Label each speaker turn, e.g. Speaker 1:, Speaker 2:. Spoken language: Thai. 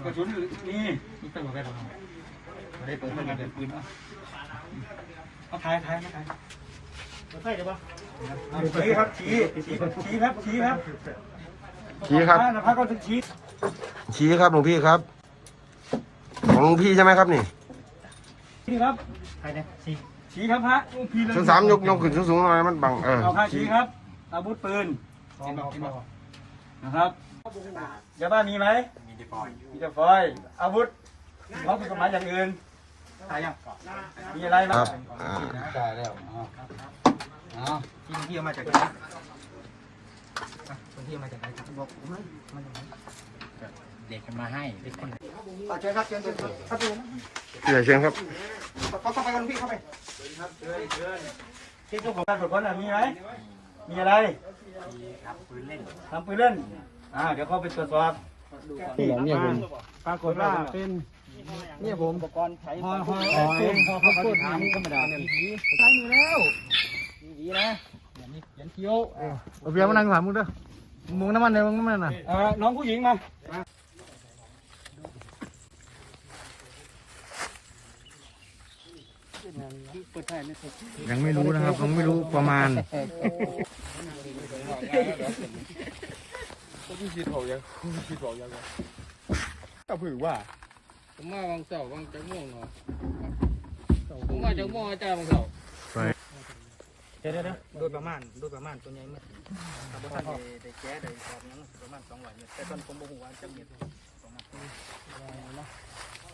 Speaker 1: กระสุนนี่เป็นหัวแบนไม่ได้เปิดเงินเดือนปืนเอาถ่ายมาถ่ายใช่หรือเปล่าชี้ครับชี้ครับชี้ครับนะพักก็จะ
Speaker 2: ชี้ครับหลวงพี่ครับของหลวงพี่ใช่ไหมครับนี่
Speaker 1: ครับใครเนี่ยชี้ครับพระหลวงพี่เลย
Speaker 2: สามยกขึ้นสูงๆหน่อยมันบัง
Speaker 1: เอาพระชี้ครับอาวุธปืนนะครับยาบ้ามีไหมมีแต่ฟอยอาวุธเขาเป็นกฎหมายอย่างอื่นมีอะไรบ้างได้แล้วที่เอามาจากไหนที่เอามาจากไหนบอกผมเลยมาจากไหนเด็กมาให้เด็กคนเชิญครับเชิญครับผม
Speaker 2: เชิญครับ
Speaker 1: เข้าไปกันพี่เข้าไปครับเชิญที่เจ้าของการตรวจค้นมีไหมมีอะไรทำปืนเล่นเดี๋ยวเข้าไปตรวจสอบ
Speaker 3: เนี่ยผมปรากฏว่าเป็นเนี่ยผมอุปกรณ์ใช้พอเขาพูดถามธรรมดาใช้มือแล้วดีนะอย่างนี้ยันเคี้ยวเอาเบียร์มานั่งถามมึงเด้อมึงน้ำมันเลยมึงน้ำมันน่ะ
Speaker 1: น้องผู้หญิงมา
Speaker 3: ยังไม่รู้นะครับยังไม่รู้ประมาณ
Speaker 4: พี่คิดบอกยังก็ผือว่าผมมาบางเสาบางจังม่วงเนาะผมมาจังม่วงอาจารย์บางเสา
Speaker 1: เดี๋ยวโดยประมาณตัวใหญ่เมื่อถ้าท่านได้แก้ได้สอบนั้นประมาณ200 เมตรแต่ตอนผมบอกว่าจะเมตร2 นาที